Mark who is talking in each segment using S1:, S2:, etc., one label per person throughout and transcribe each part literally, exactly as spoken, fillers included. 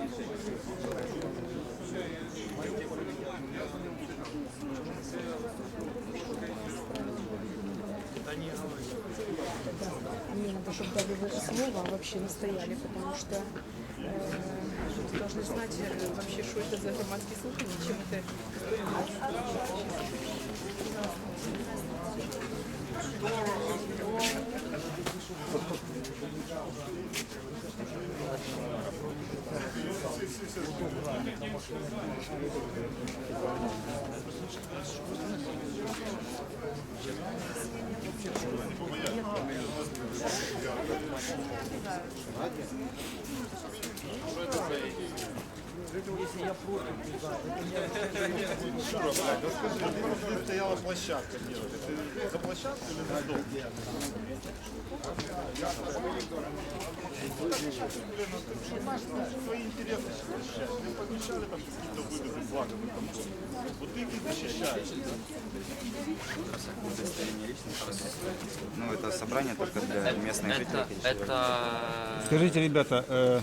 S1: Мне надо, чтобы дали вы слово, а вообще настояли, потому что э, должны знать э, вообще, что это за громадские слушания, чем это.
S2: Здесь стояла площадка. Ты за площадку или за дом? Свои интересы защищать. Мы помешали там какие-то выгоды, блага в этом доме. Вот ты их и защищаешь.
S3: Ну, это собрание только для местных жителей.
S4: Это...
S5: Скажите, ребята, э,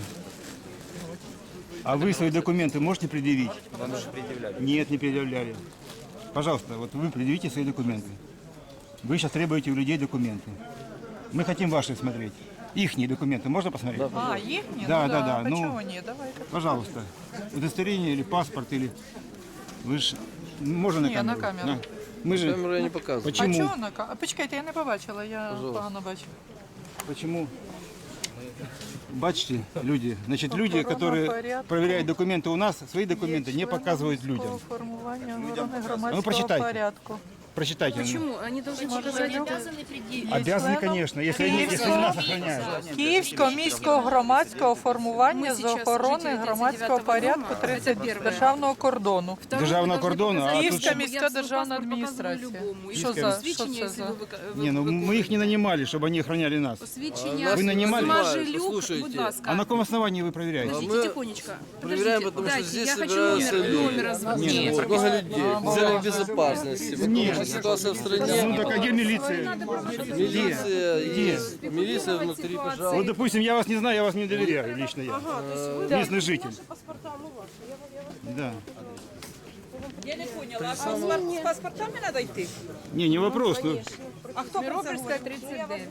S5: а вы свои документы можете предъявить?
S3: Вам уже предъявляли.
S5: Нет, не предъявляли. Пожалуйста, вот вы предъявите свои документы. Вы сейчас требуете у людей документы. Мы хотим ваши смотреть. Ихние документы можно посмотреть?
S6: А, их нет?
S5: Да,
S6: Ну
S5: да, да.
S6: Почему
S5: Ну,
S6: нет? Давай-ка.
S5: пожалуйста. Удостоверение или паспорт, или... Вы ж... Можно на
S6: Ні,
S5: камеру?
S6: на камеру.
S5: Да. Мы же...
S7: Камеру я не показую.
S6: А
S5: Почему?
S6: чого на ка- А почекайте, я не побачила, я погано бачу.
S5: Почему? Бачите, люди, значит, люди,
S6: Охорона
S5: которые
S6: порядку.
S5: проверяют документы у нас, свои документы не показывают людям.
S6: Формування охорони
S5: Ну,
S6: громадського
S5: прочитайте.
S6: порядку.
S5: Прочитайте.
S1: Почему? Они должны показать это.
S5: Обязаны, конечно, если, они, если нас охраняют.
S6: Київського міського громадського формування
S1: Ми
S6: з
S1: зараз
S6: охорони
S1: слушателі
S6: громадського
S1: тридцять дев'ятого
S6: порядку
S1: дома. Це перше.
S6: державного кордону.
S5: Державного кордону, а тут...
S6: Київська міська державна адміністрація. Що за, що це за?
S5: Не, ну мы их не нанимали, чтобы они охраняли нас.
S1: Посвідчення.
S5: Вы нанимали?
S1: Мажилюк,
S7: Послушайте.
S1: будь ласка.
S5: А на каком основании вы проверяете?
S1: Подождите,
S7: мы
S1: тихонечко.
S7: проверяем,
S1: Подождите,
S7: потому что
S1: дайте,
S7: здесь
S1: я хочу
S7: собираются
S1: номер,
S7: люди.
S1: номер озвучить.
S7: Нет, много людей. В целях безопасности. Потому что ситуация в
S5: Ну
S7: стране.
S5: так а где милиция?
S7: Милиция
S5: Где?
S7: есть. Милиция внутри, пожалуйста.
S5: Вот, допустим, я вас не знаю, я вас не доверяю, лично я. Местный житель. Да.
S6: Я не поняла, а з паспортами треба йти?
S5: Не, не вопрос. Ну,
S6: А хто Миропольська, тридцять дев'ять.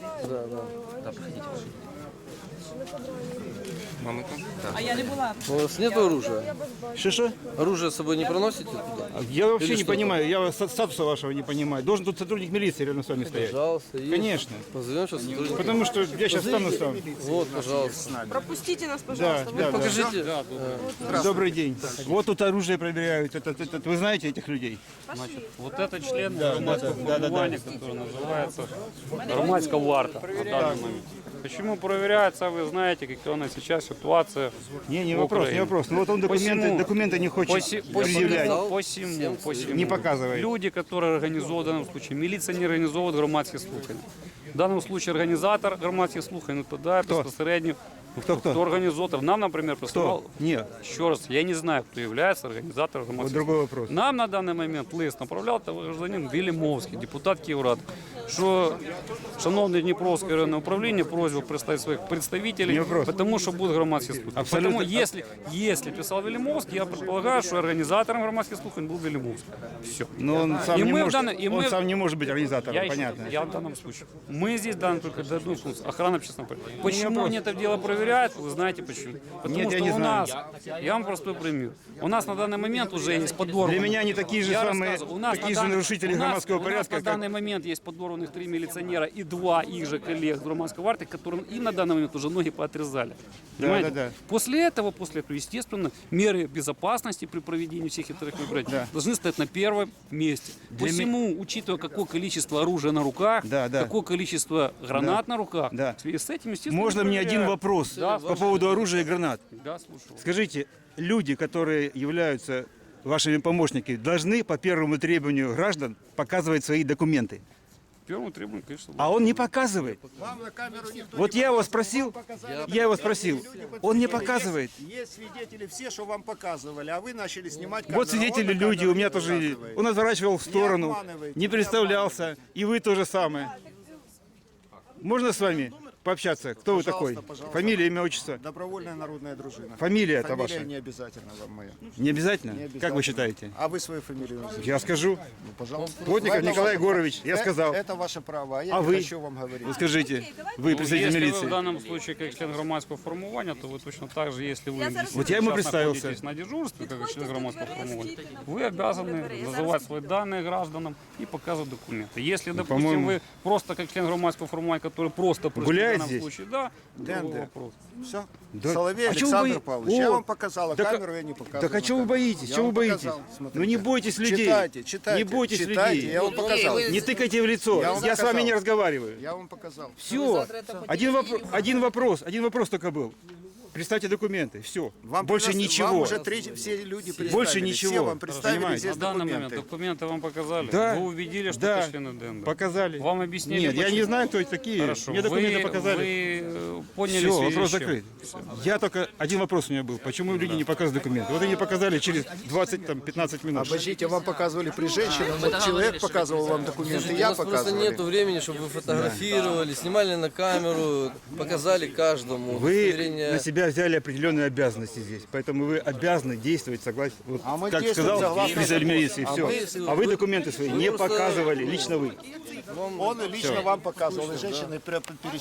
S3: Мамы там? Да.
S6: А я не була.
S7: У вас нет оружия?
S5: что-что?
S7: Оружие с собой не проносите туда?
S5: Я вообще
S7: Или
S5: не
S7: что
S5: понимаю, я вас- статуса вашего не понимаю. Должен тут сотрудник милиции рядом с вами стоять.
S7: Пожалуйста. есть.
S5: Конечно.
S7: Позовем сейчас сотрудника.
S5: Потому что я сейчас стану сам.
S7: Вот, пожалуйста.
S1: Пропустите нас,
S5: Да,
S1: пожалуйста.
S5: да, да.
S7: Покажите.
S5: Добрый день. Вот тут оружие проверяют. Это, это- это- вы знаете этих людей?
S8: Вот это член громадского формирования, который называется громадская варта на данный момент. Почему проверяется, вы знаете, какая у нас сейчас ситуация.
S5: Не, не
S8: в
S5: вопрос, не
S8: Украине.
S5: вопрос. Ну вот он документы,
S8: Посему-
S5: документы не хочет
S8: Поси-
S5: предъявлять.
S8: посему- посему- посему.
S5: Не показывает.
S8: Люди, которые организовывают в данном случае, милиция не организовывает громадські слухання. В данном случае организатор громадських слухань, ну тоді безпосередньо,
S5: Кто, кто?
S8: хто організатор. Нам, наприклад, прислав,
S5: Кто? Нет.
S8: ще раз, я не знаю, хто є організатором
S5: Вот
S8: громадських
S5: другой вопрос.
S8: Нам на даний момент лист направляв гражданин Вілімовський, депутат Київради, що шановне Дніпровське районне управління просьба представити своїх
S5: Не
S8: представителей,
S5: вопрос.
S8: тому що будуть громадські слухання.
S5: Абсолютно.
S8: Тому, если, если писав Вілімовський, я предполагаю, що організатором громадських слухань був Вілімовський. Все.
S5: Но он сам,
S8: И
S5: не,
S8: мы в
S5: может,
S8: данном- и
S5: он
S8: мы-
S5: сам не может быть организатором,
S8: Я, еще-
S5: понятно.
S8: я в данном случае. Мы здесь данные только до одной функции. Охрана общественного порядка. Почему
S5: вопрос.
S8: они это дело проверяют, вы знаете почему. Потому
S5: Нет, я
S8: что
S5: не
S8: у
S5: знаю.
S8: нас, я вам простой пример. У нас на данный момент уже есть подорванные.
S5: Для меня они такие же
S8: Я
S5: самые,
S8: рассказываю. У нас
S5: такие
S8: на
S5: же
S8: дан-
S5: нарушители
S8: у нас-
S5: громадского
S8: у нас
S5: порядка,
S8: на
S5: как-
S8: данный момент есть подорванных три милиционера и два их же коллег с громадской варты, которым и на данный момент уже ноги поотрезали. Понимаете?
S5: да, да.
S8: После этого, после этого, естественно, меры безопасности при проведении всех этих мероприятий
S5: Да.
S8: должны стоять на первом месте.
S5: Для
S8: Посему, учитывая, какое количество оружия на руках,
S5: Да, да.
S8: какое количество гранат на руках,
S5: Да.
S8: в связи с этим, естественно,
S5: Можно мне один
S8: проверяют.
S5: вопрос
S8: Да,
S5: по поводу оружия и гранат?
S8: Да, слушаю.
S5: Скажите, люди, которые являются вашими помощниками, должны по первому требованию граждан показывать свои документы.
S8: Первому требованию, конечно,
S5: А он не показывает. Вот я его спросил, я его спросил, он не показывает.
S2: Есть свидетели все, что вам показывали, а вы начали снимать камеру.
S5: Вот свидетели люди, у меня тоже, он отворачивал в сторону, не представлялся, и вы то же самое. Можно с вами? пообщаться. Кто вы такой?
S4: пожалуйста.
S5: Фамилия, имя, отчество?
S4: Добровольная народная дружина.
S5: Фамилия это
S4: Фамилия
S5: ваша?
S4: не обязательно вам моя.
S5: Не обязательно?
S4: Не обязательно.
S5: Как вы считаете?
S4: А вы свою фамилию назовите?
S5: Я скажу.
S4: Ну, пожалуйста.
S5: Плотников
S4: Это
S5: Николай
S4: ваше
S5: Егорович,
S4: право.
S5: я
S4: Э-
S5: сказал.
S4: Это ваше право, а я
S5: А
S4: не
S5: вы?
S4: хочу вам говорить.
S5: Вы скажите, вы
S8: Ну,
S5: представитель
S8: если вы в
S5: милиции.
S8: данном случае как член громадского формирования, то вы точно так же, если вы
S5: Вот я ему
S8: сейчас
S5: представился.
S8: находитесь на дежурстве, как член громадского формирования, вы обязаны называть свои данные гражданам и показывать документы. Если, допустим,
S5: Ну, по-моему-
S8: вы просто как член громадского формирования, который просто пришли
S5: Гуляет
S8: в данном
S5: здесь?
S8: случае, да, другой
S4: ДНД.
S8: вопрос.
S4: Все.
S5: Да.
S4: Соловей
S5: А чего вы
S4: Александр
S5: бои-
S4: Павлович.
S5: О!
S4: Я вам показал, а
S5: Так а-
S4: камеру я не показываю.
S5: Так а
S4: на
S5: чего вы
S4: камеру.
S5: боитесь?
S4: Я
S5: Чего
S4: вам
S5: вы боитесь?
S4: показал, смотрите.
S5: Ну не бойтесь людей.
S4: Читайте, читайте.
S5: Не бойтесь
S4: читайте,
S5: людей.
S4: Я вам показал.
S5: Не тыкайте в лицо.
S4: Я
S5: Я,
S4: вам
S5: с вами
S4: показал.
S5: не разговариваю.
S4: Я вам показал.
S5: Все. Один, вопро- один вопрос. Один вопрос только был. Представьте документы. Все.
S4: Вам
S5: Больше
S4: принес-
S5: ничего.
S4: Вам уже три, все люди представили.
S5: Больше ничего.
S4: Все вам представили
S5: Понимаете?
S4: здесь
S8: На данный момент
S4: документы.
S8: документы вам показали.
S5: Да.
S8: Вы увидели, что
S5: Да.
S8: это члены ДНД.
S5: Показали.
S8: Вам объяснили,
S5: Нет, я
S8: почему?
S5: не знаю, кто это такие.
S8: Хорошо.
S5: Мне документы
S8: вы,
S5: показали.
S8: Вы э, поняли
S5: Все,
S8: в связи
S5: вопрос
S8: с чем?
S5: закрыт. Я только один вопрос у меня был. Почему люди не показывают документы? Вот они показали через двадцать-пятнадцать минут.
S4: Обождите, вам показывали при женщине, вот человек показывал вам документы,
S7: У
S4: я
S7: нас просто
S4: показывал.
S7: нету времени, чтобы вы фотографировали, снимали на камеру, показали каждому.
S5: Вы
S7: удостоверение.
S5: на себя взяли определенные обязанности здесь, поэтому вы обязаны действовать согласно, вот,
S4: А мы
S5: как
S4: действуем
S5: сказал
S4: согласно
S5: представитель
S4: закону.
S5: милиции,
S4: А
S5: все.
S7: мы-
S5: А вы документы свои
S7: вы
S5: не
S7: просто-
S5: показывали, лично вы.
S4: Он и лично вам показывал, и женщины перечисляли.